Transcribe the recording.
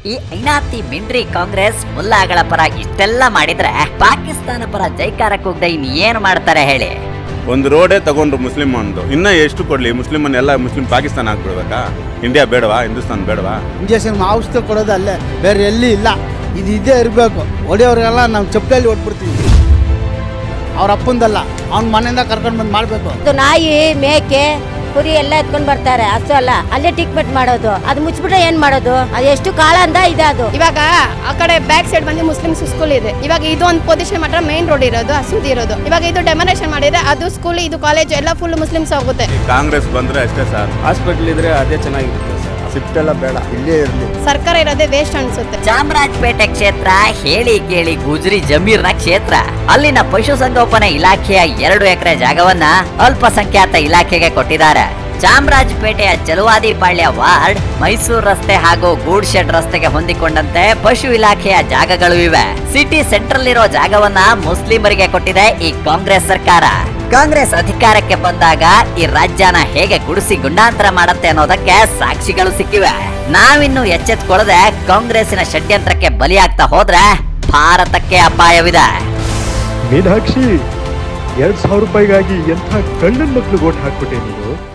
ಈ ಐನಾತಿ ಮಿಂಡ್ರಿ ಕಾಂಗ್ರೆಸ್ ಮುಲ್ಲಾಗಳ ಪರ ಇಷ್ಟೆಲ್ಲ ಮಾಡಿದ್ರೆ ಪಾಕಿಸ್ತಾನ ಪರ ಜೈಕಾರ ಕೂಗ್ದ ಇನ್ ಏನು ಮಾಡ್ತಾರೆ ಹೇಳಿ. ಒಂದು ರೋಡೇ ತಗೊಂಡ್ರು ಮುಸ್ಲಿಂ ಒಂದು ಇನ್ನ ಎಷ್ಟು ಕೊಡ್ಲಿ ಮುಸ್ಲಿಮನ್ ಎಲ್ಲ ಮುಸ್ಲಿಂ ಪಾಕಿಸ್ತಾನ ಆಗ್ಬಿಡ್ಬೇಕಾ? ಇಂಡಿಯಾ ಬೇಡವಾ? ಹಿಂದೂಸ್ತಾನ್ ಬೇಡವಾ? ಇಂಜೆಕ್ಷನ್ ಔಷಧ ಕೊಡೋದು ಅಲ್ಲೇ, ಬೇರೆ ಎಲ್ಲಿ ಇಲ್ಲ. ಇದು ಇದೇ ಇರಬೇಕು. ಹೊಡೆಯೋರಿಗೆಲ್ಲ ನಾವು ಚಪ್ಪಲಿ ಹೊಡ್ಬಿಡ್ತೀವಿ. ಅವ್ರ ಅಪ್ಪಂದಲ್ಲ, ಅವ್ನ ಮನೆಯಿಂದ ಕರ್ಕೊಂಡು ಬಂದು ಮಾಡಬೇಕು. ನಾಯಿ ಮೇಕೆ ಕುರಿ ಎಲ್ಲ ಎತ್ಕೊಂಡ್ ಬರ್ತಾರೆ, ಹಸು ಅಲ್ಲ ಅಲ್ಲೇ ಟ್ರೀಟ್ಮೆಂಟ್ ಮಾಡೋದು. ಅದು ಮುಚ್ಚಿಬಿಟ್ರೆ ಏನ್ ಮಾಡೋದು? ಅದು ಎಷ್ಟು ಕಾಲ ಅಂತ ಇದೆ. ಅದು ಇವಾಗ ಆ ಕಡೆ ಬ್ಯಾಕ್ ಸೈಡ್ ಬಂದು ಮುಸ್ಲಿಂ ಸ್ಕೂಲ್ ಇದೆ. ಇವಾಗ ಇದು ಒಂದು ಪೊಸಿಷನ್ ಮಾತ್ರ ಮೇನ್ ರೋಡ್ ಇರೋದು, ಹಸುದಿ ಇರೋದು. ಇವಾಗ ಇದು ಡೆಮೊನೇಷನ್ ಮಾಡಿದ್ರೆ ಅದು ಸ್ಕೂಲ್ ಇದು ಕಾಲೇಜ್ ಎಲ್ಲ ಫುಲ್ ಮುಸ್ಲಿಮ್ಸ್ ಹೋಗುತ್ತೆ. ಕಾಂಗ್ರೆಸ್ ಬಂದ್ರೆ ಅಷ್ಟೇ ಸರ್. ಹಾಸ್ಪಿಟಲ್ ಇದ್ರೆ ಅದೇ ಚೆನ್ನಾಗಿರುತ್ತೆ ಸರ್. ಶಿಫ್ಟ್ ಎಲ್ಲ ಬೇಡ, ಇಲ್ಲೇ ಇರಲಿ. ಸರ್ಕಾರ ಇರೋದೇ ವೇಸ್ಟ್ ಅನ್ಸುತ್ತೆ. ಚಾಮರಾಜಪೇಟೆ ಕ್ಷೇತ್ರ ಹೇಳಿ ಕೇಳಿ ಗುಜ್ರಿ ಜಮೀರ್ನ ಕ್ಷೇತ್ರ. ಅಲ್ಲಿನ ಪಶುಸಂಗೋಪನೆ ಇಲಾಖೆಯ 2 ಎಕರೆ ಜಾಗವನ್ನ ಅಲ್ಪಸಂಖ್ಯಾತ ಇಲಾಖೆಗೆ ಕೊಟ್ಟಿದ್ದಾರೆ. ಚಾಮರಾಜಪೇಟೆಯ ಚಲುವಾದಿ ಪಾಳ್ಯ ವಾರ್ಡ್, ಮೈಸೂರು ರಸ್ತೆ ಹಾಗೂ ಗೂಡ್ ಶೆಡ್ ರಸ್ತೆಗೆ ಹೊಂದಿಕೊಂಡಂತೆ ಪಶು ಇಲಾಖೆಯ ಜಾಗಗಳು ಇವೆ. ಸಿಟಿ ಸೆಂಟ್ರಲ್ ಇರೋ ಜಾಗವನ್ನ ಮುಸ್ಲಿಮರಿಗೆ ಕೊಟ್ಟಿದೆ ಈ ಕಾಂಗ್ರೆಸ್ ಸರ್ಕಾರ. ಕಾಂಗ್ರೆಸ್ ಅಧಿಕಾರಕ್ಕೆ ಬಂದಾಗ ಈ ರಾಜ್ಯನ ಹೇಗೆ ಗುಡಿಸಿ ಗುಂಡಾಂತರ ಮಾಡುತ್ತೆ ಅನ್ನೋದಕ್ಕೆ ಸಾಕ್ಷಿಗಳು ಸಿಕ್ಕಿವೆ. ನಾವಿನ್ನು ಎಚ್ಚೆತ್ಕೊಳ್ಳದೆ ಕಾಂಗ್ರೆಸ್ಸಿನ ಷಡ್ಯಂತ್ರಕ್ಕೆ ಬಲಿಯಾಗ್ತಾ ಹೋದ್ರೆ ಭಾರತಕ್ಕೆ ಅಪಾಯವಿದೆ. ಮೀನಾಕ್ಷಿ, 2,000 ರೂಪಾಯಿಗಾಗಿ ಎಂಥ ಕಳ್ಳನ ಮಕ್ಳು ಓಟ್ ಹಾಕ್ಬಿಟ್ಟೆ ನೀನು.